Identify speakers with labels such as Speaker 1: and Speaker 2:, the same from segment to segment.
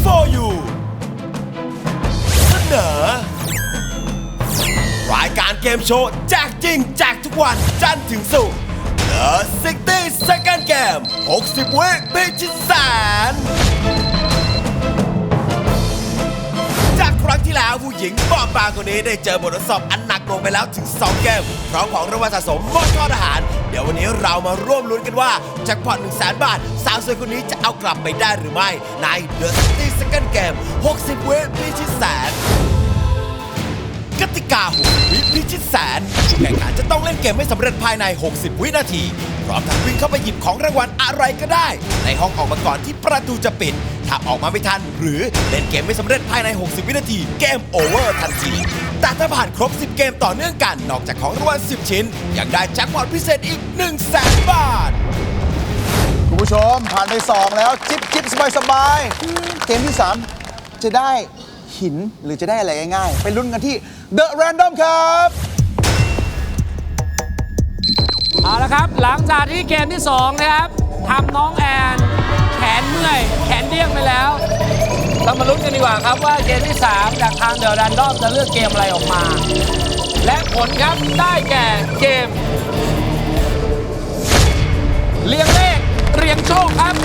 Speaker 1: for you เสนอรายการเกมโชว์แจกจริงแจกทุกวันจันทร์ถึงศุกร์ The 60 Second Game 60 วิพิชิตแสนจากครั้งที่แล้วผู้หญิงบอบบางคนนี้ได้เจอบททดสอบอันหนักหน่วงไปแล้วถึง 2 เกมพร้อมของรางวัลสะสมมอบทอดอาหารเดี๋ยววันนี้เรามาร่วมลุ้นกันว่าแจ็คพอต 100,000 บาทสาวสวยคนนี้จะเอากลับไปได้หรือไม่ใน The 60 Second Game 60 วิพิชิตแสนกติกา60 วิพิชิตแสนผู้แข่งขันจะต้องเล่นเกมให้สำเร็จภายใน 60 วินาทีพร้อมทั้งวิ่งเข้าไปหยิบของรางวัลอะไรก็ได้ในห้องออกมาก่อนที่ประตูจะปิดถ้าออกมาไม่ทันหรือเล่นเกมไม่สำเร็จภายใน 60 วินาทีเกมโอเวอร์ทันทีแต่ถ้าผ่านครบ 10 เกมต่อเนื่องกันนอกจากของรางวัล 10 ชิ้นยังได้แจ็คพอตพิเศษอีก 100,000 บาท
Speaker 2: คุณผู้ชมผ่านไป2แล้วจิ๊บสบายเกมที่3จะได้หินหรือจะได้อะไรง่ายๆไปลุ้นกันที่ The Random ครับ
Speaker 3: เอาละครับหลังจากที่เกมที่2นะครับทำน้องแอนแขนเมื่อยแขนเดี้ยงไปแล้วเรามาลุ้นกันดีกว่าครับว่าเกมที่3จากทางเดอะแรนดอมจะเลือกเกมอะไรออกมาและผลครับได้แก่เกมเรียงเลขเรียงโชคครับ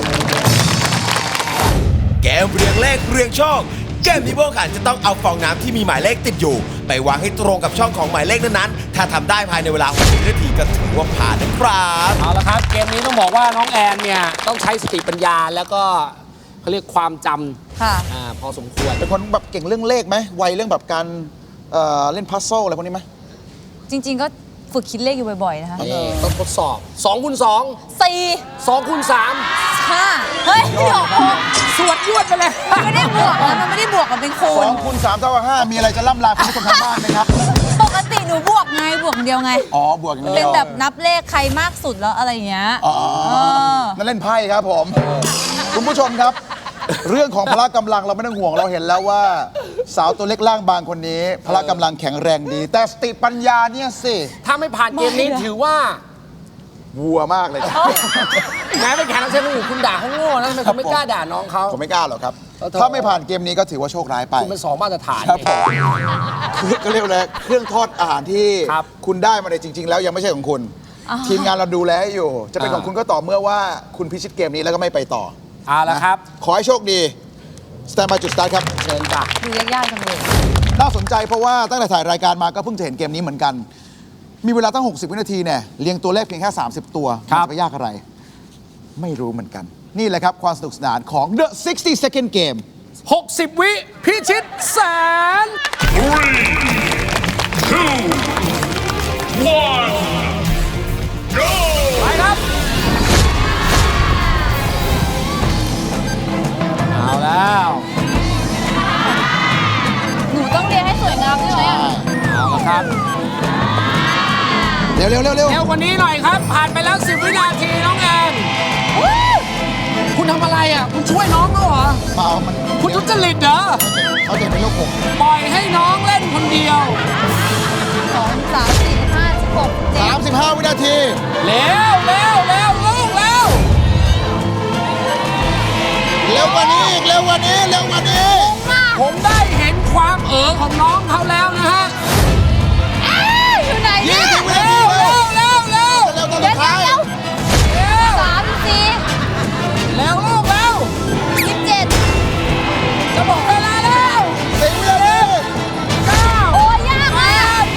Speaker 1: เกมเรียงเลขเรียงโชคเกมนี้พวกขันจะต้องเอาฟองน้ำที่มีหมายเลขติดอยู่ไปวางให้ตรงกับช่องของหมายเลขนั้นๆถ้าทำได้ภายในเวลา60 นาทีก็ถือว่าผ่านนะครับ
Speaker 3: เอาละครับเกมนี้ต้องบอกว่าน้องแอนเนี่ยต้องใช้สติปัญญาแล้วก็เขาเรียกความจำ
Speaker 4: ค่ะ
Speaker 3: พอสมควร
Speaker 2: เป็นคนแบบเก่งเรื่องเลขไหมไวเรื่องแบบการเล่นพัซเซิลอะไรพวกนี้ไหม
Speaker 4: จริงๆก็ฝึกคิดเลขอยู่บ่อยๆนะคะ
Speaker 3: ต้องทดสอบ2 คูณ 2
Speaker 4: 4
Speaker 3: 2 คูณ 3
Speaker 4: 5เฮ้ยไม่ออก
Speaker 3: สวดยวดไปเลย
Speaker 4: มันไม่ได้บวกนะมันไม่ได้บวกมันเป็นคูณ
Speaker 2: 2 คูณ 3 เท่ากับ 5มีอะไรจะล่ำลาคุณผู้ชมทางบ้านไหมครับ
Speaker 4: ปกติหนูบวกไงบวกเดียวไง
Speaker 2: บวกอย่างเดียว
Speaker 4: เป็นแบบนับเลขใครมากสุดแล้วอะไรอย่างเงี้ย
Speaker 2: นั่นเล่นไพ่ครับผมคุณผู้ชมครับเรื่องของพละกำลังเราไม่ต้องห่วงเราเห็นแล้วว่าสาวตัวเล็กล่างบางคนนี้พละกำลังแข็งแรงดีแต่สติปัญญาเนี่ยสิ
Speaker 3: ถ้าไม่ผ่านเกมนี้ถือว่า
Speaker 2: วัวมากเลย
Speaker 3: แม้เป็นแขกรับเชิญคนอื่นคุณด่าเขาโง่นะทำไมคุณไม่กล้าด่าน้องเขา
Speaker 2: ผมไม่กล้าหรอกครับถ้าไม่ผ่านเกมนี้ก็ถือว่าโชคร้ายไป
Speaker 3: คุณเป็น2 มาตรฐาน
Speaker 2: ครับผมก็เรียกเลยเครื่องทอดอาหารที่คุณได้มาในจริงๆแล้วยังไม่ใช่ของคุณทีมงานเราดูแลให้อยู่จะเป็นของคุณก็ต่อเมื่อว่าคุณพิชิตเกมนี้แล้วก็ไม่ไปต่อ
Speaker 3: เอาละครับ
Speaker 2: ขอให้โชคดีสแตนบายจุดสตาร์ทครับ
Speaker 3: เชิญจ้ะ
Speaker 4: ดูยากๆจังเลย
Speaker 2: น่าสนใจเพราะว่าตั้งแต่ถ่ายรายการมาก็เพิ่งจะเห็นเกมนี้เหมือนกันมีเวลาตั้ง60 วินาทีเนี่ยเรียงตัวเลขเพียงแค่30 ตัวมันจะไปยากอะไรไม่รู้เหมือนกันนี่แหละครับความสนุกสนานของ The 60 Second Game
Speaker 3: 60 วิพิชิตแสน 3 2 1 go ไปครับเอาแล้ว
Speaker 4: หนูต้องเรียนให้สวยงามใช่ไหม
Speaker 3: เอาละครับ
Speaker 2: เร็ว
Speaker 3: เร็วกว่านี้หน่อยครับผ่านไปแล้ว10 วินาทีน้องแอนคุณทำอะไรอ่ะคุณช่วยน้องเขาเหรอ
Speaker 2: เปล่ามัน
Speaker 3: คุณทุจริตเหรอ
Speaker 2: เขาเด็กเป็นโรคผม
Speaker 3: ปล่อยให้น้องเล่นคนเดียว
Speaker 4: 2 3 4 5 16
Speaker 2: 35 วินาที
Speaker 3: เร็วลูกเร็ว
Speaker 2: กว่านี้อีกเร็วกว่านี้
Speaker 3: ผมได้เห็นความของน้องเขาแล้วนะฮะ
Speaker 4: อยู่ไหนเนี่ย
Speaker 3: 20 วินาทีเร็ว
Speaker 4: เดี๋ยว34
Speaker 3: เร็วลูก
Speaker 4: 27
Speaker 3: จะบอกเวลาแล้ว
Speaker 2: 10 วินาที
Speaker 3: 9
Speaker 4: โอ้ยยากอ่ะ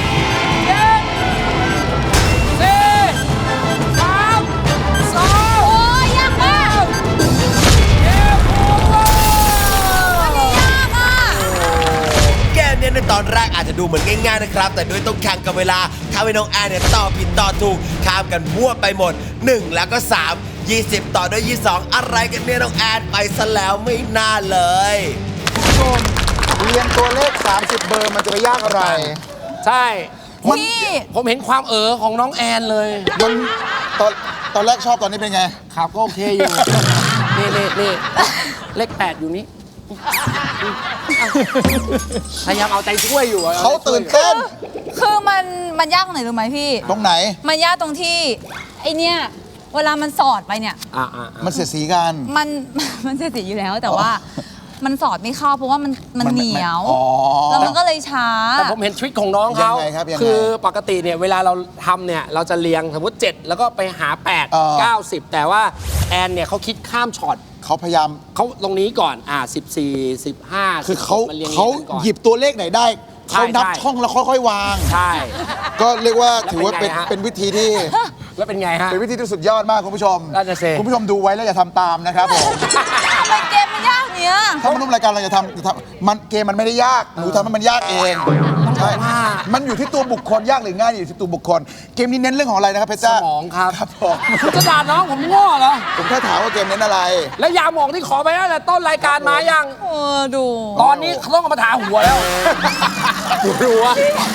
Speaker 3: 7 4 3 2
Speaker 4: โอ้ยยากมาก
Speaker 3: เกมโอเวอร์
Speaker 4: อันนี้ยากอ่ะ
Speaker 1: เกมนี้ในตอนแรกอาจจะดูเหมือนง่ายๆนะครับแต่ด้วยต้องแข่งกับเวลาทำให้น้องแอนเนี่ยตอบผิดตอบถูกข้ามกันมั่วไปหมด1แล้วก็3 20ต่อด้วย22อะไรกันเนี่ยน้องแอนไปซะแล้วไม่น่าเลย
Speaker 2: เรียนตัวเลข30 เบอร์มันจะไปยากอะไร
Speaker 3: ใช่ผมเห็นความของน้องแอนเลย
Speaker 2: ตอนแรกชอบตอนนี้เป็นไง
Speaker 3: ครับก็โอเคอยู่นี่เลข8อยู่นี้พยายามเอาใจช่วยอยู่
Speaker 2: เขาตื่นเต้น
Speaker 4: คือมันยากตรงไหนรู้ไหมพี่
Speaker 2: ตรงไหน
Speaker 4: มันยากตรงที่ไอเนี้ยเวลามันสอดไปเนี่ย
Speaker 2: มันเสียสีกัน
Speaker 4: มันเสียสีอยู่แล้วแต่ว่ามันสอดไม่เข้าเพราะว่ามันเหนียว
Speaker 2: อ๋อ
Speaker 4: แล้วมันก็เลยช้า
Speaker 3: แต่ผมเห็นทริคของน้องเขา
Speaker 2: ยังไงครับยังไง
Speaker 3: คือปกติเนี่ยเวลาเราทำเนี่ยเราจะเรียงสมมติ 7 แล้วก็ไปหา 8 9 10 แต่ว่าแอนเนี่ยเขาคิดข้ามช็อต
Speaker 2: เขาพยายาม
Speaker 3: เขาตรงนี้ก่อน14 15
Speaker 2: คือเขา
Speaker 3: มันรียง
Speaker 2: เขา
Speaker 3: กันก่อน
Speaker 2: หยิบตัวเลขไหนได้
Speaker 3: ใช่
Speaker 2: เขานับ
Speaker 3: ใช่
Speaker 2: ช่องแล้วค่อยๆวาง
Speaker 3: ใช่
Speaker 2: ก็เรียกว่าถือว่า
Speaker 3: แล้วเป็นไงฮะ
Speaker 2: เป็นวิธีที่
Speaker 3: แล้วเป็นไงฮะ
Speaker 2: เป็นวิธีที่สุดยอดมากคุณผู้ชม
Speaker 3: นั่นน่ะสิ
Speaker 2: คุณผู้ชมดูไว้แล้วอย่าทำตามนะครับผม
Speaker 4: ทำไมเกมมันยากเนี้ย
Speaker 2: ถ้ามาร่วมรายการเราจะทำมันเกมมันไม่ได้ยากหนูทำให้มันยากเองใช่มันอยู่ที่ตัวบุคคลยากหรือง่ายอยู่ที่ตัวบุคคล เกมนี้เน้นเรื่องของอะไรนะครับเพชร
Speaker 3: ส
Speaker 2: จ้าม
Speaker 3: องครับ
Speaker 2: ครับผม
Speaker 3: คุณจะด่าน้องผมโง่เหรอ
Speaker 2: ผมแค่ถามว่าเกมเน้นอะไร
Speaker 3: แล้วยาหมองที่ขอไปตั้งแต่ต้นรายการมายัง
Speaker 4: ดู
Speaker 3: ตอนนี้เขาต้องเอามาทาหัวแล้วปวดหัว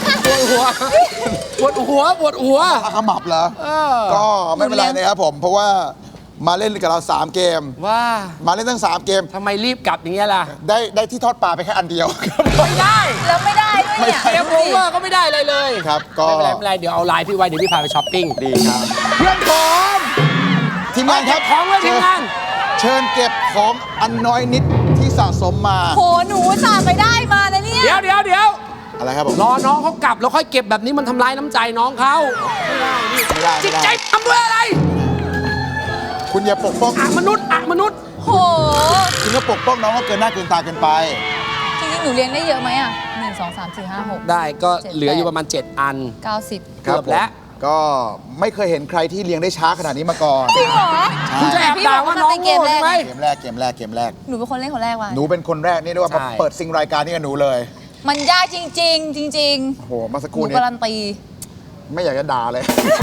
Speaker 3: ปวดหัวปวดหัว
Speaker 2: ขมับเหรอ ก็ไม่เป็นไรนะครับผม เพราะว่ามาเล่นกับเรา 3 เกม
Speaker 3: ว่า
Speaker 2: มาเล่นทั้ง 3 เกม
Speaker 3: ทำไมรีบกลับอย่างเงี้ยล่ะ
Speaker 2: ได้ที่ทอดปลาไปแค่อันเดียว
Speaker 3: ไม่ได้
Speaker 4: แล้วไม่ได้ด้วยเนี่ย
Speaker 3: เกมโอเวอร์ก็ไม่ได้เลยเลย
Speaker 2: ครับก็
Speaker 3: ไม่เป็นไรไม่เป็นไรเดี๋ยวเอาไลน์พี่ไว้เดี๋ยวพี่พาไปช้อปปิ้งดีครับ
Speaker 2: เพื่อนผมทีมงานครับ
Speaker 3: ของไว้ทีมงาน
Speaker 2: เชิญเก็บของอันน้อยนิดที่สะสมมา
Speaker 4: โหหนูสาห์ไปได้มานะเนี่ย
Speaker 3: เดี๋ยว
Speaker 2: อะไรครับผม
Speaker 3: รอน้องเขากลับแล้วค่อยเก็บแบบนี้มันทำร้ายน้ำใจน้องเขา
Speaker 2: ไม่ได้
Speaker 3: จิต
Speaker 2: ไม่
Speaker 3: ใจ
Speaker 2: ได้
Speaker 3: ทำด้วยอะไร
Speaker 2: คุณอย่าปกป้อง
Speaker 3: มนุษย์
Speaker 4: โห
Speaker 2: คุณก็ปกป้องน้องก็เกินหน้าเกินตาเกินไป
Speaker 4: จริงๆหนูเลี้ยงได้เยอะไหมอ่ะ1 2 3 4 5 6
Speaker 3: ได้ก็
Speaker 4: 7
Speaker 3: เหลืออยู่ประมาณ 7 อัน
Speaker 4: 90
Speaker 3: เกือบแล้ว
Speaker 2: ก็ไม่เคยเห็นใครที่เลี้ยงได้ช้าขนาดนี้มาก่อน
Speaker 4: จริงเหรอ
Speaker 3: คุณจะแอบด่าว่าน้องโง่ใช่ไหม
Speaker 2: เกมแรกเกมแรก
Speaker 4: หนูเป็นคนเล่นคนแรกว่ะ
Speaker 2: หนูเป็นคนแรกนี่เรียกว่า
Speaker 3: ใช่
Speaker 2: เปิดซิงรายการนี่กับหนูเลย
Speaker 4: มันยากจริง ๆ จริง
Speaker 2: โอ้โหเมาสัก
Speaker 4: ๆ
Speaker 2: ค
Speaker 4: ห
Speaker 2: รู่
Speaker 4: นู
Speaker 2: นี้
Speaker 4: การันตี
Speaker 2: ไม่อยากจะด่าเลย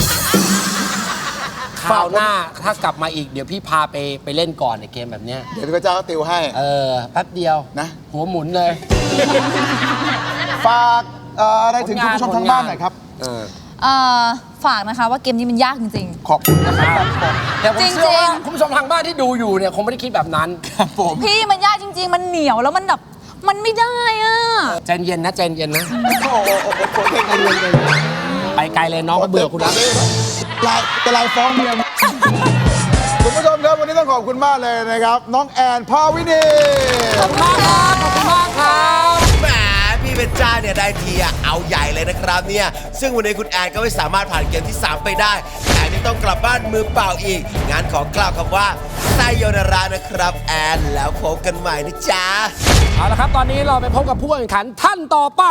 Speaker 3: คราวหน้าถ้ากลับมาอีกเดี๋ยวพี่พาไปเล่นก่อนในเกมแบบเนี้ย
Speaker 2: เดี๋ยวพี่พระเจ้าก็ติวให้
Speaker 3: แป๊บเดียว
Speaker 2: นะ
Speaker 3: หัวหมุนเลย
Speaker 2: ฝากอะไรถึงคุณผู้ชมทางบ้านหน่อยครับ
Speaker 4: ฝากนะคะว่าเกมนี้มันยากจริง
Speaker 2: ขอบคุณนะครับ
Speaker 3: แต่ผม
Speaker 4: จริงๆ
Speaker 3: เชื่อว่าคุณผู้ชมทางบ้านที่ดูอยู่เนี่ยคงไม่ได้คิดแบบนั้น
Speaker 2: ครับผม
Speaker 4: ๆ พี่มันยากจริง ๆ มันเหนียวแล้วมันแบบมันไม่ได้อ่ะ
Speaker 3: ใจเย็นนะใจเย็นนะ
Speaker 2: โอ้โหเก่ง
Speaker 3: ไปไกลเลยน้องก็เบื่อคุณแล้ว
Speaker 2: ลายฟ้องเมียคุณผู้ชมครับวันนี้ต้องขอบคุณมากเลยนะครับ น้องแอนภาวินี
Speaker 3: ขอบคุณมากครับขอบคุณมากครับ
Speaker 1: แหมพี่เพชรจ้าเนี่ยได้ทีอะเอาใหญ่เลยนะครับเนี่ยซึ่งวันนี้คุณแอนก็ไม่สามารถผ่านเกมที่ 3 ไปได้แต่ที่ต้องกลับบ้านมือเปล่าอีกงานขอกล่าวคำว่าไซโยนารานะครับแอนแล้วพบกันใหม่นะจ๊ะ
Speaker 3: เอาละครับตอนนี้เราไปพบกับผู้แข่งขันท่านต่อไป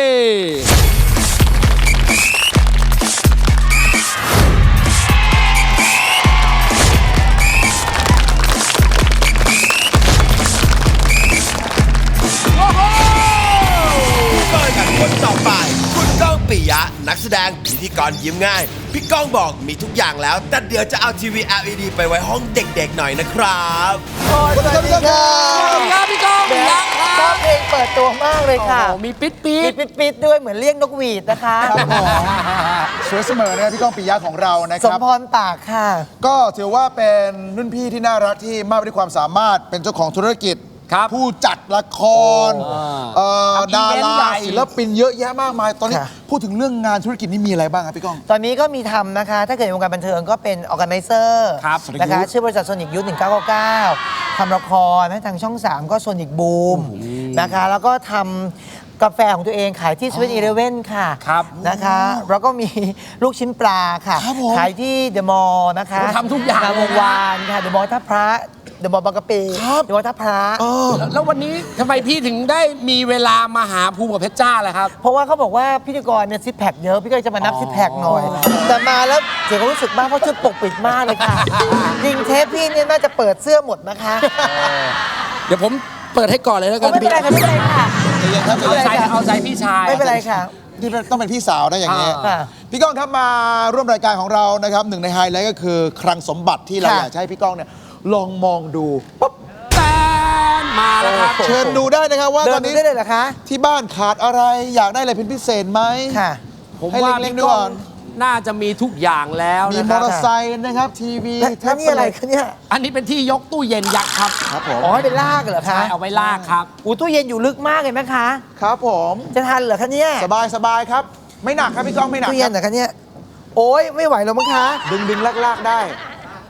Speaker 1: ผู้เข้าแข่งขันคนต่อไป คุณก้องปิยะ นักแสดงพิธีกรยิ้มง่าย พี่ก้องบอกมีทุกอย่างแล้ว แต่เดี๋ยวจะเอาทีวี LED ไปไว้ห้องเด็กๆหน่อยนะครับ
Speaker 2: สวัสดีครับ
Speaker 3: สวัสดีครับพี่ก้องยัง
Speaker 5: ชอบเพลงเปิดตัวมากเลยค่ะ
Speaker 3: โอ้โหมีปิ๊ดปี๊
Speaker 5: มี
Speaker 3: ด
Speaker 5: ปิดๆด้วยเหมือนเรียกนกหวีดนะคะ
Speaker 2: ครับผมสวยเสมอนะครับพี่ก้องปิยะของเรานะค
Speaker 5: สม
Speaker 2: รับ
Speaker 5: พรปากค่ะ
Speaker 2: ก็ถือว่าเป็นรุ่นพี่ที่น่ารักที่มากไปด้วยความสามารถเป็นเจ้าของธุรกิจ
Speaker 3: ครับ
Speaker 2: ผู้จัดละคร
Speaker 3: ทำอี
Speaker 2: ดา
Speaker 3: เวนต์
Speaker 2: รา
Speaker 3: ใหญ่
Speaker 2: ศิลปินเยอะแยะมากมาย ตอนนี้
Speaker 5: ค่ะ
Speaker 2: พูดถึงเรื่องงานธุรกิจนี่มีอะไรบ้างครับพี่ก้อง
Speaker 5: ตอนนี้ก็มีทำนะคะ ถ้าเกิดในวงการบันเทิงก็เป็นออ g a แก z เซอร์
Speaker 3: ครับ
Speaker 5: นะคะ ชื่อบริษัทโซนิกยุทธ1999ทำละครนะทางช่อง 3 ก็โซนิกบูมนะคะ แล้วก็ทำกาแฟของตัวเองขายที่สวีทอีเลเว่นค่ะ
Speaker 3: ครับ
Speaker 5: นะคะ แล้วก็มีลูกชิ้นปลาค่ะ
Speaker 2: ครับผม
Speaker 5: ขายที่เดอะมอลล์นะคะ
Speaker 3: โอ้ทำทุกอย่าง
Speaker 5: งามวงวานค่ะเดอะมอลล์ท่าพระเดอะมอลล์บางกะปิเดอะมอลล์ท่าพระ
Speaker 3: แล้ววันนี้ทำไมพี่ถึงได้มีเวลามาหาภูมิกับเพชรจ้าล่ะครับ
Speaker 5: เพราะว่าเขาบอกว่าพิธีกรเนี่ยซิปแพคเยอะ พี่ก็จะมานับซิปแพคหน่อย แต่มาแล้วเสียความรู้สึกบ้างเพราะชุดปกปิดมากเลยค่ะจริงเทปพี่เนี่ยน่าจะเปิดเสื้อหมดนะคะ
Speaker 3: เดี๋ยวผมเปิดให้ก่อนเลยแล้วกัน
Speaker 5: ไม่เป็นไรค่ะไม่เป็นไรค่ะ
Speaker 3: เอาใจพี่ชาย
Speaker 5: ไม่เป็นไรค่ะ
Speaker 2: ที่ต้องเป็นพี่สาวนะอย่างนี้
Speaker 5: ค่ะ
Speaker 2: พี่ก้องครับมาร่วมรายการของเรานะครับหนึ่งในไฮไลท์ก็คือคลังสมบัติที่เรา
Speaker 5: ค่ะ
Speaker 2: อยากจะให้พี่ก้องเนี่ยลองมองดูปุ๊บ
Speaker 3: แฟนมาแล้วครับ
Speaker 2: เชิญดูได้นะครับว่า
Speaker 5: เดิ
Speaker 2: ตอน น
Speaker 5: ดู
Speaker 2: นี้
Speaker 5: ได้เลยเหรอคะ
Speaker 2: ที่บ้านขาดอะไรอยากได้อะไรเป็นพิเศษไหม
Speaker 5: ค่ะ
Speaker 3: ผม
Speaker 2: ให้
Speaker 3: ว่า
Speaker 2: เล็ก
Speaker 3: พี่
Speaker 2: ๆ
Speaker 3: ก้
Speaker 2: ก่
Speaker 3: อ
Speaker 2: อง น
Speaker 3: น่าจะมีทุกอย่างแล้ว
Speaker 2: มี
Speaker 3: นะ
Speaker 2: ม
Speaker 3: ค
Speaker 2: อ
Speaker 3: รับ
Speaker 2: เตอร์ไซค์นะครับทีวี
Speaker 5: แล้วนี่อะไรคะเนี่ย
Speaker 3: อันนี้เป็นที่ยกตู้เย็นยักษ์ครับ
Speaker 2: ครับผม
Speaker 5: อ๋อให้เป็นลากเหรอคะ
Speaker 3: ใช่เอาไว้ลากครับ
Speaker 5: อู้ตู้เย็นอยู่ลึกมากเลยไหมคะ
Speaker 2: ครับผม
Speaker 5: จะทันเหรอคะเนี่ย
Speaker 2: สบายครับ ไม่หนักครับพี่ก้องไม่หนัก
Speaker 5: ตู้
Speaker 2: ค
Speaker 5: เย็
Speaker 2: รั
Speaker 5: น
Speaker 2: บ
Speaker 5: เหรอคะเนี่ยโอ้ยไม่ไหวแล้วมั้งคะ
Speaker 2: ดึงลากได้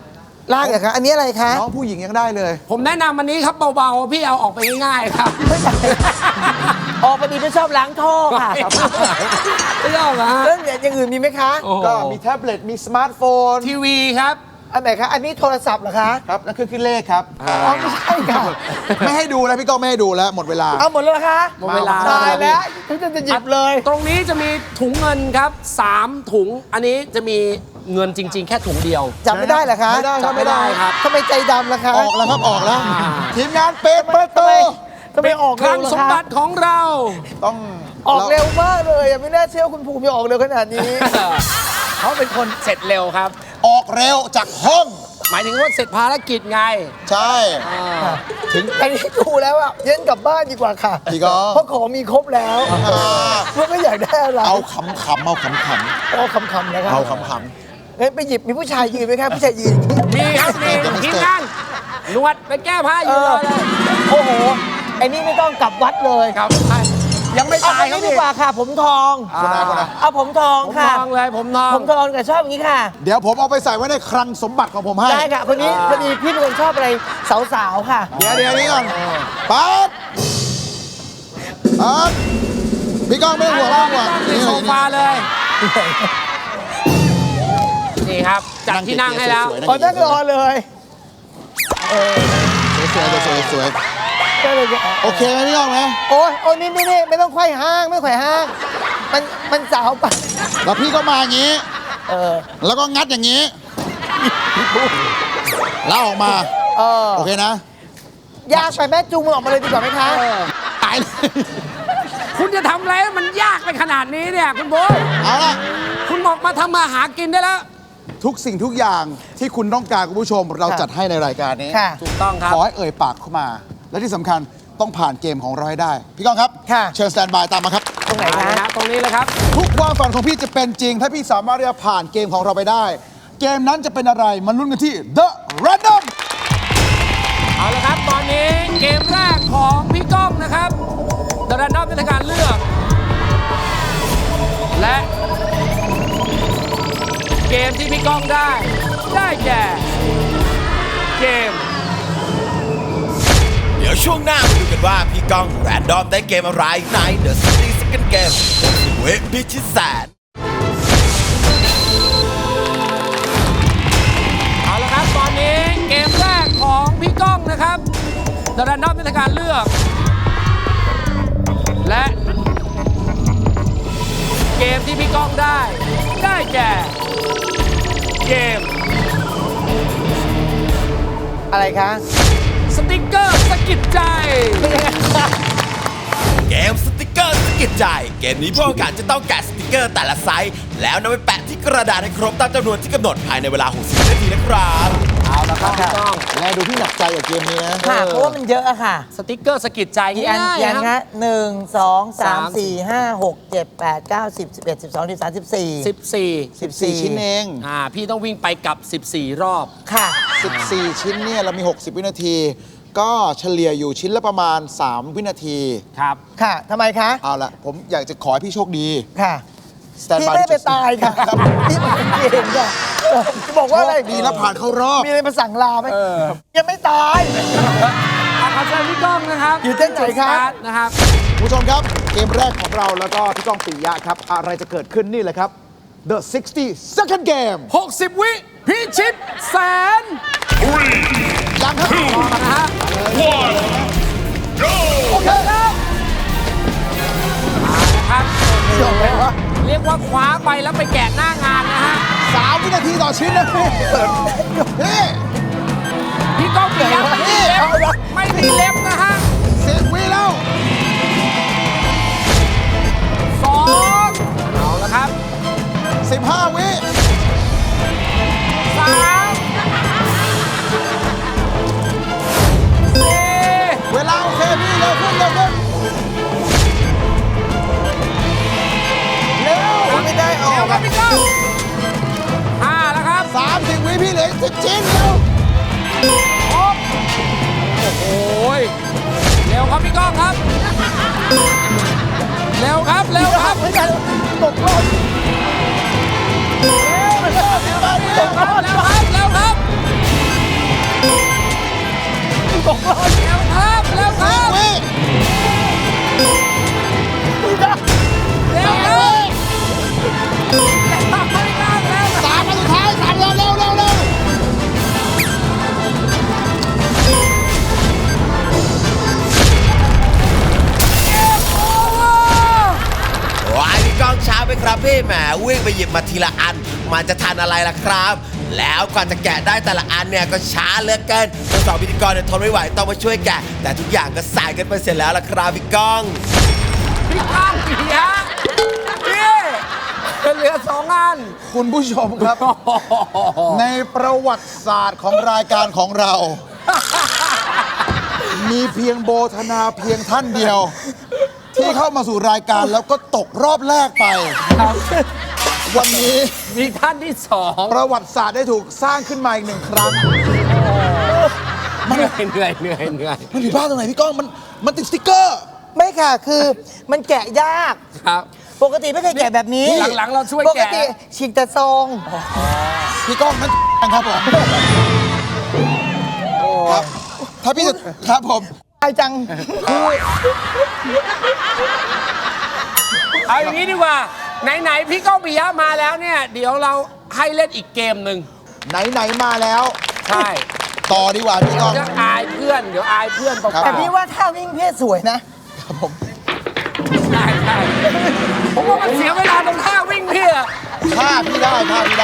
Speaker 5: ลากเหรอคะอันนี้อะไรคะ
Speaker 2: น้องผู้หญิงยังได้เลย
Speaker 3: ผมแนะนำอันนี้ครับเบาๆ พี่เอาออกไปง่ายๆครับ
Speaker 5: ออกพอดีไม่ชอบล้างท่อค่ะ
Speaker 3: ไม่ชอบเหรอฮะ
Speaker 5: เรื่องอย่างอื่นมีไหมคะ
Speaker 3: โอ้โห
Speaker 2: ก็มีแท็บเล็ตมีสมาร์ทโฟน
Speaker 3: ทีวีครับ
Speaker 5: อันไหนคะอันนี้โทรศัพท์เหรอคะ
Speaker 2: ครับนั่นคือเลขครับ
Speaker 5: อ๋อไม่ใช่ค่ะ
Speaker 2: ไม่ให้ดูแล้วพี่ก้องไม่ให้ดูแล้วหมดเวลา
Speaker 5: เอาหมดแล้วเหรอคะ
Speaker 3: หมดเวลา
Speaker 5: ตายแล้วฉันจะหยิบเลย
Speaker 3: ตรงนี้จะมีถุงเงินครับ3ถุง อันนี้จะมีเงินจริง ๆ แค่ถุงเดียว
Speaker 5: จับไม่ได้เหรอคะ
Speaker 2: ไม่ได้ครับ
Speaker 3: จำไม่ได้ครับ
Speaker 5: ทำไมใจดำล่ะคะ
Speaker 2: ออกแล้วครับออกแล้ว ทีมงานเปิดประ
Speaker 5: ทำ
Speaker 2: ตู
Speaker 5: ไมออก
Speaker 3: ค
Speaker 5: เร็
Speaker 3: ลั
Speaker 5: ว
Speaker 3: ง
Speaker 5: ล่ะ
Speaker 3: สม
Speaker 5: คะ
Speaker 3: บัติของเรา
Speaker 2: ต้อง
Speaker 5: ออกเร็วมากเลยไม่น่าเชื่อคุณภูมิจะออกเร็วขนาดนี้
Speaker 3: เขาเป็นคนเสร็จเร็วครับ
Speaker 2: ออกเร็วจากห้อง
Speaker 3: หมายถึงว่าเสร็จภารกิจไง
Speaker 2: ใช่
Speaker 5: ถึงอันนี้ดูแล้วอะเย็นกลับบ้านดีกว่าค่ะ
Speaker 2: พี่ก้อง
Speaker 5: เพราะของมีครบแล้วมันก็อยากได้อะไร
Speaker 2: เอาขำๆเอาขำ
Speaker 5: เอาคำๆนะค
Speaker 2: ๆ
Speaker 5: รับ
Speaker 2: เอาขำ
Speaker 5: งั้นไปหยิบมีผู้ชายยืนไหมครับผู้ชายยืน
Speaker 3: มีครับมีทีมงานหนวดไปแก้ผ้าอยู่เลย
Speaker 5: โอ้โหไอ้นี่ไม่ต้องกลับวัดเลย
Speaker 3: ครับยังไม่
Speaker 5: เอา
Speaker 3: ตาย
Speaker 5: อัน
Speaker 3: ครับ
Speaker 5: นี้ดี
Speaker 3: พี่
Speaker 5: กว่าค่ะ ผมทอง
Speaker 2: ๆคนนะคนนะ
Speaker 5: เอาผมทอง
Speaker 3: ผม
Speaker 5: ค่ะ
Speaker 3: ทองเลยผมทอง
Speaker 5: ผมทองแต่ชอบอย่างนี้ค่ะ
Speaker 2: เดี๋ยวผมเอาไปใส่ไว้ในคลังสมบัติของผมให้
Speaker 5: ได้ค่ะคนนี้พอดีพี่เป็นคนชอบอะไรสาวๆค่ะ
Speaker 2: เดี๋ยวนี้ก่อนปั๊บปั๊บพี่ก้องไม่ต้องห่วงไม่ต้องห่วง
Speaker 3: ที่โซฟาเลย นี่ครับจัดที่นั่งให้แล้ว
Speaker 5: ขอนั่งรอเลย
Speaker 2: สวยๆสวย
Speaker 5: ก็เลยจะ
Speaker 2: ๆโอเคไหมพี่ก้องไหม
Speaker 5: โอ้ยโอ้ยนี่ไม่ต้องไขว้ห้างไม่ไขว้ห้างมันสาวไป
Speaker 2: แล้วพี่ก็มาอย่างนี้
Speaker 5: อ
Speaker 2: แล้วก็งัดอย่างนี้แล้วออกมา โอเคนะ
Speaker 5: ยากไปแม่จูงมือออกมาเลยดีกว่าไหมคะ
Speaker 2: ตายเลย
Speaker 3: คุณจะทำอะไรให้มันยากไปขนาดนี้เนี่ยคุณโบย
Speaker 2: เอาละ
Speaker 3: คุณบอกมาทำมาหากินได้แล้ว
Speaker 2: ทุกสิ่งทุกอย่างที่คุณต้องการคุณผู้ชม เราจัดให้ในรายการนี้
Speaker 5: ค่ะ
Speaker 3: ถูกต้องครับ
Speaker 2: ขอให้เอ่ยปากเข้ามา และที่สำคัญต้องผ่านเกมของเราให้ได้ พี่ก้องครับ
Speaker 5: ค่ะ
Speaker 2: เชิญสแตนบายตามมาครับ
Speaker 5: ตรงไหน
Speaker 3: เอา
Speaker 5: คะ
Speaker 3: ละนะตรงนี้เลยครับ
Speaker 2: ทุกความฝันของพี่จะเป็นจริง ถ้าพี่สามารถที่จะผ่านเกมของเราไปได้ เกมนั้นจะเป็นอะไรมันลุ้นกันที่ The Random
Speaker 3: เอาละครับ ตอนนี้เกมแรกของพี่ก้องนะครับเดอะแรนดอมเป็นการเลือก และเกมที่พี่ก้องได้แก่เกม
Speaker 1: เดี๋ยวช่วงหน้ามาดูกันว่าพี่ก้องแรนดอมได้เกมอะไรใน The City Second Game เวทพิชิตแสน
Speaker 3: เอาละครับ ตอนนี้เกมแรกของพี่ก้องนะครับเดอะแรนดอมเป็นการเลือก และเกมที่พี่ก้องได้แก่เกม
Speaker 5: อะไรคะ
Speaker 3: สติกเกอร์สะกิดใจ
Speaker 1: เกมสติกเกอร์สะกิดใจ เกมนี้ผู้แข่งขันจะต้องแกะสติกเกอร์แต่ละไซส์ แล้วนำไปแปะที่กระดาษให้ครบตามจำนวนที่กำหนดภายในเวลา 60 นาทีนะครับ
Speaker 3: เอาละครับพี่ก้อง
Speaker 2: แลดูพี่หนักใจกับเกมนี้นะ
Speaker 5: ค่ะ เพราะว่ามันเยอะอะค่ะ
Speaker 3: สติกเกอร์สะกิดใจ
Speaker 5: กี่อัน
Speaker 3: ง่าย
Speaker 5: กี่อัน
Speaker 3: ๆค
Speaker 5: คะ
Speaker 3: รับ
Speaker 5: 1 2 3 4 5 6 7 8 9 10 11 12 13 14
Speaker 3: 14
Speaker 2: ชิ้นเอง
Speaker 3: พี่ต้องวิ่งไปกลับ 14 รอบ
Speaker 5: ค่ะ
Speaker 2: 14 ชิ้นเนี่ยเรามี 60 วินาที ก็เฉลี่ยอยู่ชิ้นละประมาณ 3 วินาที
Speaker 3: ครับ
Speaker 5: ค่ะทำไมคะ
Speaker 2: เอาละผมอยากจะขอให้พี่โชคดี
Speaker 5: ค่ะ
Speaker 2: สแตน
Speaker 5: พี่
Speaker 2: บาย
Speaker 5: ไม่ไปตายค่ะพี่มาเองค่ะจะบอกว่าอะไร
Speaker 2: ดีแล้วผ่านเข้ารอบ
Speaker 5: มีอะไรมาสั่งลาไหมยังไม่ตาย
Speaker 3: ขอเชิญพี่ก้องนะครับ
Speaker 5: อยู่เส้นไหนครับ
Speaker 3: จุดสตาร์ทนะครับ
Speaker 2: คุณผู้ชมครับ เกมแรกของเราแล้วก็พี่ก้องปิยะครับ อะไรจะเกิดขึ้นนี่แหละครับ The 60 Second Game
Speaker 3: 60 วิพิชิตแสน
Speaker 2: ยังครับ
Speaker 3: รอนะฮะ
Speaker 2: โอเคครับ
Speaker 3: ครับ
Speaker 5: จบไหมวะ
Speaker 3: เรียกว่าคว้าไปแล้วไปแกะหน้างานนะฮะ
Speaker 2: 3 วินาทีต่อชิ้นนะพี่นี่
Speaker 3: พี่ก้องปิยะไม่มีเล็บไม่มีเล็บนะฮะ
Speaker 2: 10 วิแล้ว
Speaker 3: 2เอาละครับ
Speaker 2: 15 วิ
Speaker 3: 3 4
Speaker 2: เวลาโอเคพี่เร็วขึ้นเร็วขึ้นเร็ว
Speaker 5: ไม่ได้ออ
Speaker 3: เร็ว
Speaker 5: ก
Speaker 3: ครั
Speaker 5: อะ
Speaker 3: บพี่ก้อง5แล้วครับ
Speaker 2: 30 วิพี่เหลืออีก10 ชิ้นเร็ว
Speaker 3: ครบโอ้โหเร็วครับพี่ก้องครับ เร็วครับ เร็วครับ
Speaker 5: ไม่ได้ตกรอบ
Speaker 3: เร็วครับ เร็วครับ เร็วครับแล้วครับ แล้วครับ
Speaker 2: วิ
Speaker 3: แล้วครับไม่ได้แล้ว
Speaker 2: สามอันสุดท้ายสามเร็วเร็วเร็วเร็ว
Speaker 1: ว้ายพี่ก้องช้าไปครับพี่แหมวิ่งไปหยิบมาทีละอัน มันจะทันอะไรล่ะครับ แล้วกว่าจะแกะได้แต่ละอันเนี่ยก็ช้าเหลือเกินทั้งสองพิธีกรเนี่ยทนไม่ไหวต้องมาช่วยแกะ แต่ทุกอย่างก็สายกันไปเสร็จแล้วล่ะครับพี่ก้อง
Speaker 3: พี่ก้องปียะพี่เหลือ2 อัน
Speaker 2: คุณผู้ชมครับ ในประวัติศาสตร์ของรายการของเรา มีเพียงโบธนาเพียงท่านเดียว ที่เข้ามาสู่รายการแล้วก็ตกรอบแรกไป วันนี้
Speaker 3: มีท่านที่2
Speaker 2: ประวัติศาสตร์ได้ถูกสร้างขึ้นมาอีกหนึ่งครั้ง
Speaker 3: เหนื่อย
Speaker 2: มันผิดพลาดตรงไหนพี่ก้องมันติดสติ๊กเกอร์
Speaker 5: ไม่ค่ะ คือมันแกะยาก
Speaker 3: ครับ
Speaker 5: ปกติไม่เคยแกะแบบนี้
Speaker 3: หลังๆเราช่วย
Speaker 5: ปก
Speaker 3: แกะ
Speaker 5: ติฉีกแต่ซอง
Speaker 2: พี่ก้องนั่นครับผมครับถ้าพี่จะครับผม
Speaker 5: ไอจัง
Speaker 3: เอาอย่างนี้ดีกว่า ไหนๆพี่ก้องปิยะมาแล้วเนี่ย เดี๋ยวเราให้เล่นอีกเกมหนึ่ง
Speaker 2: ไหนๆมาแล้ว
Speaker 3: ใช่
Speaker 2: ต่อดีกว่าพี่ก้อง
Speaker 3: เดี๋ยวอายเพื่อน เดี๋ยวอายเพื่อนเปล่า
Speaker 5: แต่พี่ว่าท่าวิ่งเพศสวยนะ
Speaker 2: ครับผม
Speaker 3: ใช่ผมว่ามันเสียเวลาตรงท่าวิ่งพี่อะ
Speaker 2: ท่าพี่ได้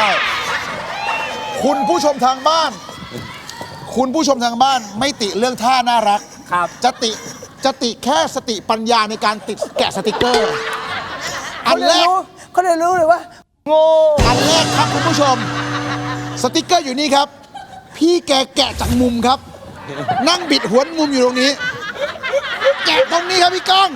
Speaker 2: คุณผู้ชมทางบ้าน คุณผู้ชมทางบ้านไม่ติเรื่องท่าน่ารัก
Speaker 3: ครับ
Speaker 2: จะติแค่สติปัญญาในการติดแกะสติกเกอร์ อันแรก
Speaker 5: เขาเลยรู้เลยว่า โง่
Speaker 2: อันแรกครับคุณผู้ชม สติกเกอร์อยู่นี่ครับ พี่แกแกะจากมุมครับ นั่งบิดหัวมุมอยู่ตรงนี้ แกะตรงนี้ครับพี่ก้อง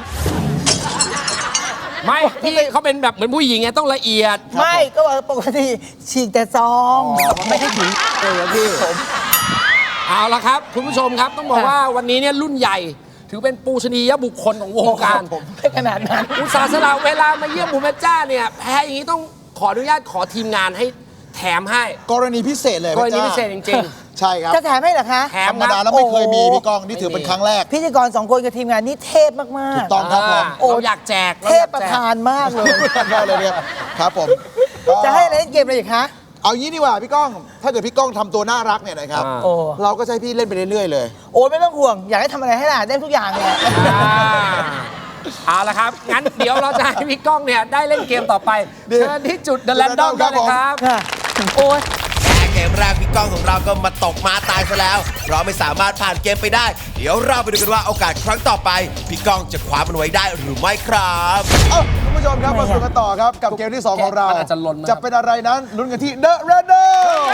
Speaker 3: ไม่พี่เขาเป็นแบบเหมือนผู้หญิงไงต้องละเอียด
Speaker 5: ไม่ก็ว่าปกติฉีกแต่ซอง ไม่ได้ถึงเลยอะพี่
Speaker 3: เอาละครับ คุณผู้ชมครับต้องบอกว่าวันนี้เนี่ยรุ่นใหญ่ ถือเป็นปูชนียบุคคลของวงการ
Speaker 5: ไม่ขนาดนั้น
Speaker 3: อุตสาห์สละเวลามาเยี่ยมหมูแม่จ้าเนี่ยแพ้อย่างนี้ต้องขออนุญาตขอทีมงานให้แถมให้
Speaker 2: กรณีพิเศษเลย
Speaker 3: กรณี
Speaker 2: พะจ้า
Speaker 3: พิเศษจริง
Speaker 2: ใช่ครับ
Speaker 5: จะแถมให้เหรอคะ
Speaker 3: ๆ แถ
Speaker 2: ธ
Speaker 3: ม
Speaker 2: รรม
Speaker 3: ค
Speaker 2: ดา
Speaker 3: รับ
Speaker 2: แล้วไม่เคยมี
Speaker 5: โอ้
Speaker 2: พี่ก้องนี่ถือเป็นครั้งแรก
Speaker 5: พิธีกร2 คนกับทีมงานนี่เทพมากๆ
Speaker 2: ถูกต้องครับผม
Speaker 5: โอ้
Speaker 3: เราอยากแจก
Speaker 5: เทพประธานมากเลย
Speaker 2: ได้เลยเนี่ยครับผม
Speaker 5: จะให้อะไรเล่นเกมอะไรอีกคะ
Speaker 2: เอางี้ดีกว่าพี่ก้อง ถ้าเกิดพี่ก้องทำตัวน่ารักเนี่ยนะครับ
Speaker 5: โอ้
Speaker 2: เราก็จะให้พี่เล่นไปเรื่อยๆเลย
Speaker 5: โอ้ยไม่ต้องห่วง อยากให้ทำอะไรให้ล่ะได้ทุกอย่างเลย
Speaker 3: เอาละครับ งั้นเดี๋ยวเราจะให้พี่ก้องเนี่ยได้เล่นเกมต่อไป
Speaker 2: เดี๋ยว
Speaker 3: เชิญที่จุด The Random ได้เลยครับ
Speaker 5: ค่ะ โอ้ย
Speaker 1: แค่เกมแรกพี่ก้องของเราก็มาตกมาตายซะแล้ว เพราะไม่สามารถผ่านเกมไปได้ เดี๋ยวเราไปดูกันว่าโอกาสครั้งต่อไป พี่ก้องจะคว้ามันไว้ได้หรือไม่ครับ
Speaker 2: เอ้าคุณผู้ชมครับมาสู่กันต่อครับ กับเกมที่ 2 ของเรา
Speaker 3: มันอาจจะหล่นมา
Speaker 2: จะเป็นอะไรนั้นลุ้นกันที่ The Random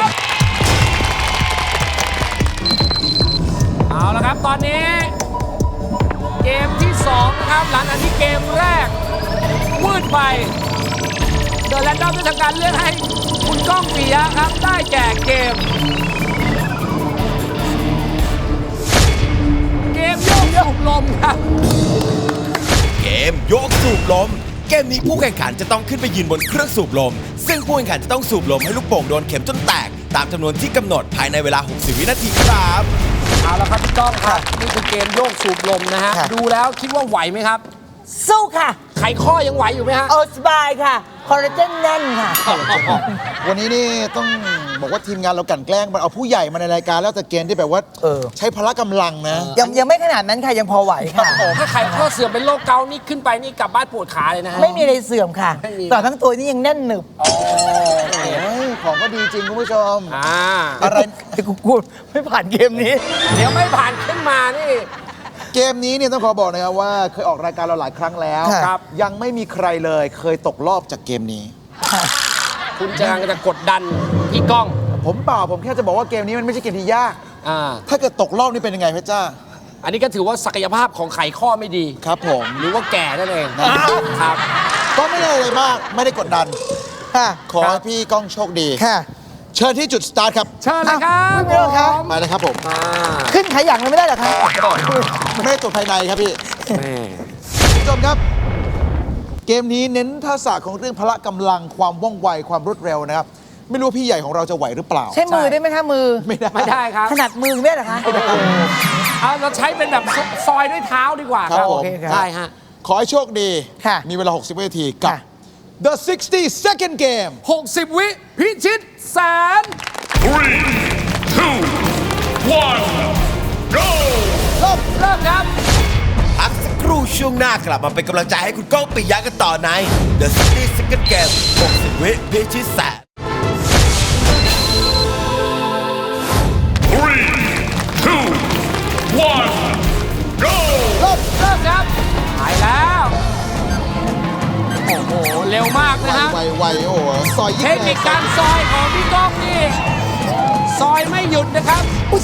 Speaker 3: เอาละครับ ตอนนี้ เกมที่ 2 นะครับ หลังจากที่เกมแรกวืดไป เดอะแรนดอมได้ทำการเลือกให้คุณก้องปิยะครับ ได้แก่เกม เกมโยกสูบลมครับ
Speaker 1: เกมโยกสูบลม เกมนี้ผู้แข่งขันจะต้องขึ้นไปยืนบนเครื่องสูบลม ซึ่งผู้แข่งขันจะต้องสูบลมให้ลูกโป่งโดนเข็มจนแตก ตามจำนวนที่กำหนดภายในเวลา 60 วินาทีครับ
Speaker 3: เอาละครับพี่ก้องครับ นี่คือเกมโยกสูบลมนะฮะ
Speaker 5: ค่ะ
Speaker 3: ดูแล้วคิดว่าไหวไหมครับ
Speaker 5: สู้ค่ะ
Speaker 3: ไขข้อยังไหวอยู่ไหมฮะ
Speaker 5: เอาสบายค่ะ คอลลาเจนแน่นค่ะ
Speaker 2: วันนี้นี่ต้องบอกว่าทีมงานเรากลั่นแกล้งมันเอาผู้ใหญ่มาในรายการแล้วแต่เกณฑ์ที่แบบว่า
Speaker 5: เออ
Speaker 2: ใช้พละกำลังนะ
Speaker 5: ยังไม่ขนาดนั้นค่ะ ยังพอไหวค่ะ
Speaker 3: ถ้าไขข้อเสื่อมเป็นโรคเกาต์นี่ขึ้นไปนี่กลับบ้านปวดขาเลยนะฮะ
Speaker 5: ไม่มีอะไรเสื่อมค่ะ
Speaker 3: ไม่มี
Speaker 5: ต่อทั้งตัวนี่ยังแน่นหนึบ
Speaker 2: โอ้ยของก็ดีจริงคุณผู้ชม อะไร
Speaker 5: กูไม่ผ่านเกมนี้
Speaker 3: เดี๋ยวไม่ผ่านขึ้นมานี่
Speaker 2: เกมนี้เนี่ยต้องขอบอกนะครับว่าเคยออกรายการเราหลายครั้งแล้ว
Speaker 5: ครับ
Speaker 2: ยังไม่มีใครเลยเคยตกรอบจากเกมนี้
Speaker 3: คุณจะกดดันพี่ก้อง
Speaker 2: ผมเปล่าผมแค่จะบอกว่าเกมนี้มันไม่ใช่เกมที่ยาก
Speaker 3: อ่า
Speaker 2: ถ้าเกิดตกรอบนี่เป็นยังไงเพชรจ้า
Speaker 3: อันนี้ก็ถือว่าศักยภาพของไขข้อไม่ดี
Speaker 2: ครับผม
Speaker 3: หรือว่าแก่นั่นเองครับ
Speaker 2: ก็ไม่ได้อะไรมากไม่ได้กดดัน
Speaker 5: ค่ะ
Speaker 2: ขอให้พี่ก้องโชคดี
Speaker 5: ค่ะ
Speaker 2: เชิญที่จุดสตาร์ทครับ
Speaker 3: เชิญเลยครับ
Speaker 5: อ้าวไม่เป็นไรครับ
Speaker 3: ผม
Speaker 2: มาเลยครับผม
Speaker 3: อ่า
Speaker 5: ขึ้นขยักเลยไม่ได้เหรอคะ
Speaker 2: ไม่ได้ตรวจภายในครับพี่
Speaker 3: แม่
Speaker 2: คุณผู้ชมครับ เกมนี้เน้นทักษะของเรื่องพละกำลังความว่องไวความรวดเร็วนะครับไม่รู้ว่าพี่ใหญ่ของเราจะไหวหรือเปล่า
Speaker 5: ใช้มือได้ไหมคะมือ
Speaker 2: ไม่ได้
Speaker 3: ไม่ได้ครับ
Speaker 5: ถนัดมือไม่ได้เหรอคะ
Speaker 3: เอาเราใช้เป็นแบบซอยด้วยเท้าดีกว่า
Speaker 2: ครับ
Speaker 5: โอ
Speaker 2: ผม
Speaker 5: เคครับ
Speaker 3: ใช่ฮะ
Speaker 2: ขอให้โชคดี
Speaker 5: ค่ะ
Speaker 2: มีเวลา 60 วินาทีกับ
Speaker 5: ค่ะ
Speaker 2: The 60-second game
Speaker 3: 60 วิพิชิตแสน
Speaker 6: 3, 2, 1, go!
Speaker 3: เริ่มครับ
Speaker 1: พักสักครู่ช่วงหน้ากลับมาเป็นกำลังใจให้คุณก้องปิยะกันต่อใน The 60-second game 60 วิพิชิตแสน
Speaker 6: 3, 2, 1, go!
Speaker 3: เริ่มครับหายแล้ว โอ้โห เร็วมากนะฮะ
Speaker 2: ไวๆโอ้โหซอยยิ่
Speaker 3: เท
Speaker 2: ง
Speaker 3: คนิคการซอยของพี่ก้องนี่ ซอยไม่หยุดนะครับ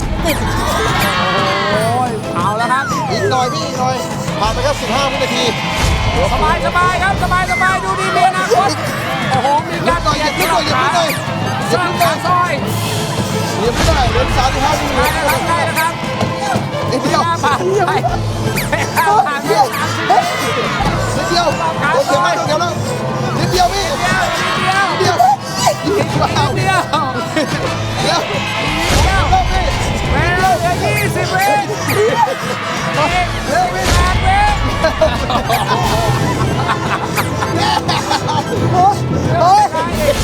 Speaker 3: โอ้ยเอาแล้วครับ
Speaker 2: อีกหน่อยพี่อีกหน่อย ผ่านไปแค่15 วินาที
Speaker 3: สบายครับ สบายดูดีมีอนาคตโอ้โห มีการเปลี่ยนที่หลอกขาสร้างการซอย
Speaker 2: เหลียมไม่ได้เหลือ35 วินา
Speaker 3: ได้
Speaker 2: ที
Speaker 3: นะครับ
Speaker 2: นิดเดียว
Speaker 3: หน้าผ่านไปผ่านไป
Speaker 2: นิดเดียวโอเคไหมโอเคแล้วนิดเดียวพี่นิดเดียวว้าว
Speaker 3: เดียว
Speaker 2: เดี๋ยว
Speaker 3: เวลาเหลือ20 วิเหลือเวลาเว้ย
Speaker 5: โอ้ยโอ้ย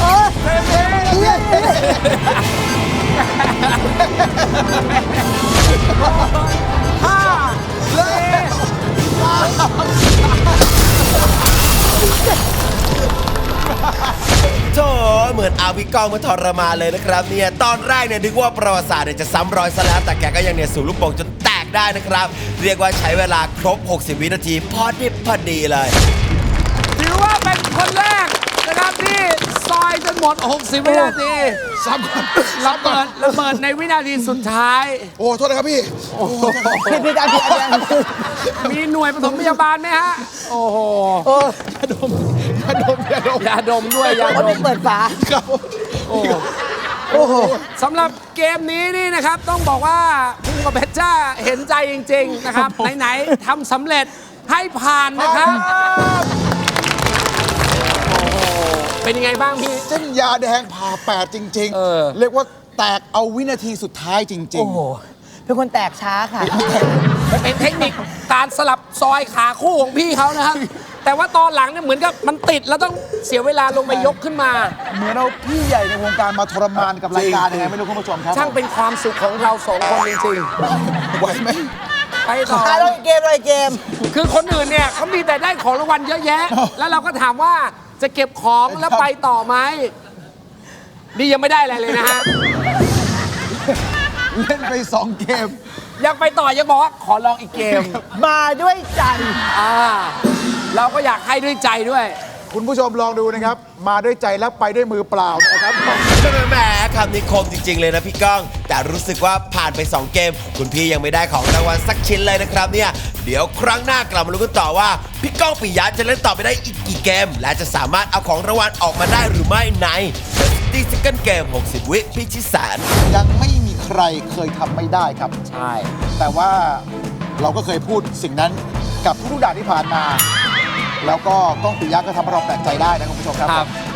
Speaker 3: ห้าสี่
Speaker 1: โธ่เหมือนเอาพี่ก้องมาทรมานเลยนะครับเนี่ยตอนแรกเนี่ยนึกว่าประวัติศาสตร์เนี่ยจะซ้ำรอยซะแล้วแต่แกก็ยังเนี่ยสูบลูกโป่งจนแตกได้นะครับ เรียกว่าใช้เวลาครบ 60 วินาทีพอดิบพอดีเลย
Speaker 3: ถือว่าเป็นคนแรกนะครับที่ซอยจนหมด 60 วินาที
Speaker 2: ซ้ำก่อน
Speaker 3: ระเบิดในวินาทีสุดท้าย
Speaker 2: โอ้โทษนะครับพี่
Speaker 5: ผิดอัน
Speaker 3: มีหน่วยปฐมพยาบาลไหมฮะ โอ้โห
Speaker 2: อย่าดม
Speaker 3: ยาดมด้วยยา
Speaker 5: คน
Speaker 3: ด
Speaker 5: ที่
Speaker 3: ม
Speaker 5: เปิดฝา
Speaker 2: ครับ
Speaker 3: โอ้โห
Speaker 5: โอ้โห
Speaker 3: สำหรับเกมนี้นี่นะครับ ต้องบอกว่าคุณกับเพชรจ้าเห็นใจจริง ๆ นะครับ ไหน ๆทำสำเร็จให้ผ่านนะครับ โอ้โห เป็นยังไงบ้างพี่
Speaker 2: เส้นยาแดงผ่าแปดจริง
Speaker 3: เออ
Speaker 2: เรียกว่าแตกเอาวินาทีสุดท้ายจริง
Speaker 5: โอ้โห เป็นคนแตกช้าค่ะ
Speaker 3: มันเป็นเทคนิคการสลับซอยขาคู่ของพี่เขานะครับ แต่ว่าตอนหลังเนี่ยเหมือนกับมันติดแล้วต้องเสียเวลาลงไปยกขึ้นมา
Speaker 2: ๆ เหมือนเอาพี่ใหญ่ในวงการมาทรมานกับรายการยังไงไม่รู้คุณผู้ชมครับ
Speaker 3: ช่างเป็นความสุขของเราสองคนจริง
Speaker 2: ไหวไหม
Speaker 3: ๆ ไปต่อ
Speaker 5: เราอีกเกมเราอีกเกม
Speaker 3: คือคนอื่นเนี่ยเขามีแต่ได้ของรางวัลเยอะแยะ แล้วเราก็ถามว่าจะเก็บของแล้วไปต่อไหมนี่ยังไม่ได้อะไรเลยนะฮะ
Speaker 2: เล่นไป 2 เกม
Speaker 3: ยังไปต่อยังบอกว่าขอลองอีกเกม
Speaker 5: มาด้วยใจ
Speaker 3: เราก็อยากให้ด้วยใจด้วย
Speaker 2: คุณผู้ชมลองดูนะครับ มาด้วยใจแล้วไปด้วยมือเปล่านะครับ
Speaker 1: แหมคำนี้คมจริง ๆ เลยนะพี่ก้อง แต่รู้สึกว่าผ่านไป 2 เกม คุณพี่ยังไม่ได้ของรางวัลสักชิ้นเลยนะครับเนี่ย เดี๋ยวครั้งหน้ากลับมาลุ้นกันต่อว่า พี่ก้องปิยะจะเล่นต่อไปได้อีกกี่เกม และจะสามารถเอาของรางวัลออกมาได้หรือไม่ใน The 60-second game 60 วิพิชิตแสน
Speaker 2: ยังไม่มีใครเคยทำไม่ได้ครับ
Speaker 3: ใช่
Speaker 2: แต่ว่าเราก็เคยพูดสิ่งนั้นกับทุกๆด่านที่ผ่านมา แล้วก็ก้องปิยะก็ทำให้เราแปลกใจได้นะคุณผู้ชมครับ